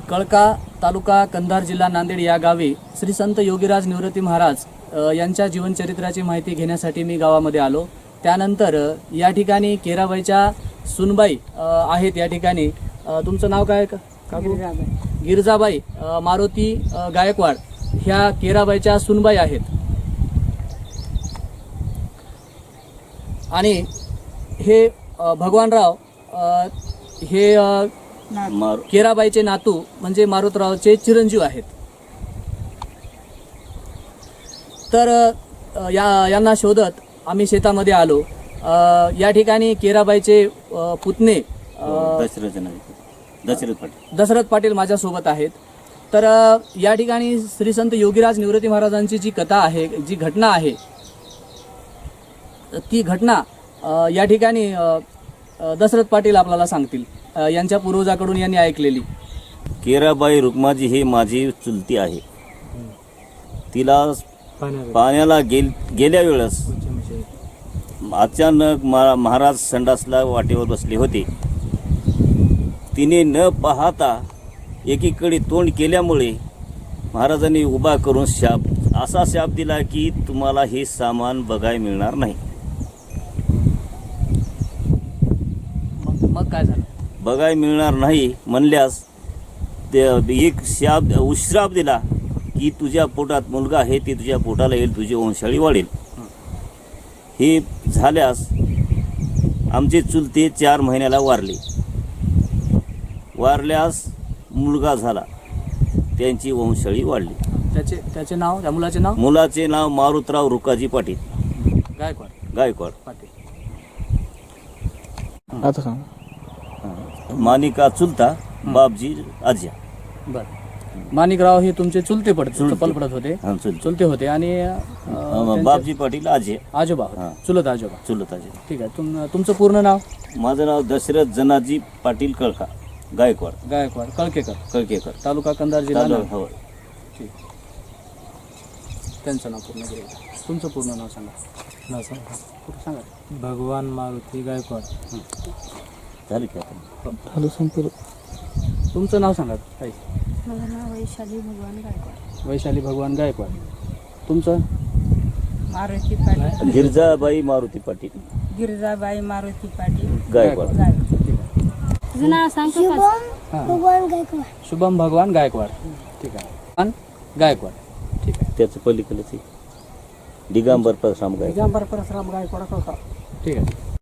कळका तालुका कंधार जिल्हा नांदेड या गावी श्री संत योगीराज निवृत्ती महाराज यांच्या जीवनचरित्राची माहिती घेण्यासाठी मी गावामध्ये आलो। त्यानंतर या ठिकाणी केराबाईच्या सुनबाई आहेत। या ठिकाणी तुमचं नाव काय काकू? गिरजाबाई मारुती गायकवाड ह्या केराबाईच्या सुनबाई आहेत। आणि हे भगवानराव हे केराबाईचे नातू म्हणजे मारुतरावचे चिरंजीव आहेत। तर यांना शोधत आम्ही शेतामध्ये आलो। या ठिकाणी केराबाईचे पुतणे दशरथ पाटील माझ्यासोबत आहेत। तर या ठिकाणी श्री संत योगीराज निवृत्ती महाराजांची जी कथा आहे, जी घटना आहे, ती घटना या ठिकाणी दशरथ पाटील आपल्याला सांगतील। यांच्या पूर्वजाकडून यांनी ऐकलेली। केराबाई रुक्माजी ही माझी चुलती आहे। तिला पाण्याला गेल्या वेळेस अचानक महाराज संडासला वाटेवर बसले होते। तिने न पाहता एकीकडे तोंड केल्यामुळे महाराजांनी उभा करून असा शाप दिला की तुम्हाला हे सामान बघायला मिळणार नाही। मग काय झालं? बघायला मिळणार नाही म्हणल्यास ते एक श्राप दिला की तुझ्या पोटात मुलगा आहे, ते तुझ्या पोटाला येईल, तुझी वंशाळी वाढेल। हे झाल्यास आमचे चुलते 4 महिन्याला वारल्यास मुलगा झाला, त्यांची वंशाळी वाढली। त्याचे नाव, त्या मुलाचे नाव मारुतराव रुकाजी पाटील गायकवाड पाटील। आता सांग। मानिका चुलता, बापजी आज्या। बर, माणिकराव हे तुमचे चुलते पडत होते? चुलते होते। आणि बापजी पाटील आजोबा, चुलत आजोबा। ठीक आहे। तुमचं पूर्ण नाव? माझं नाव दशरथ जनाजी पाटील कळका गायकवाड कळकेकर तालुका कंधार जिल्हा नांदेड। ठीक। त्यांचं नाव पूर्ण घ्या। तुमचं पूर्ण नाव सांगा। सांगा। भगवान मारुती गायकवाड। झालं की तुमचं नाव सांगा ताई। माझं नाव वैशाली भगवान गायकवाड। तुमचं? मारुती पाटील गिरजाबाई मारुती पाटील गायकवाड। तुझं नाव सांगतो शुभम भगवान गायकवाड। ठीक आहे। गायकवाड। ठीक आहे। त्याचं पलीकडे दिगंबर परशुराम गायकवाड। ठीक आहे।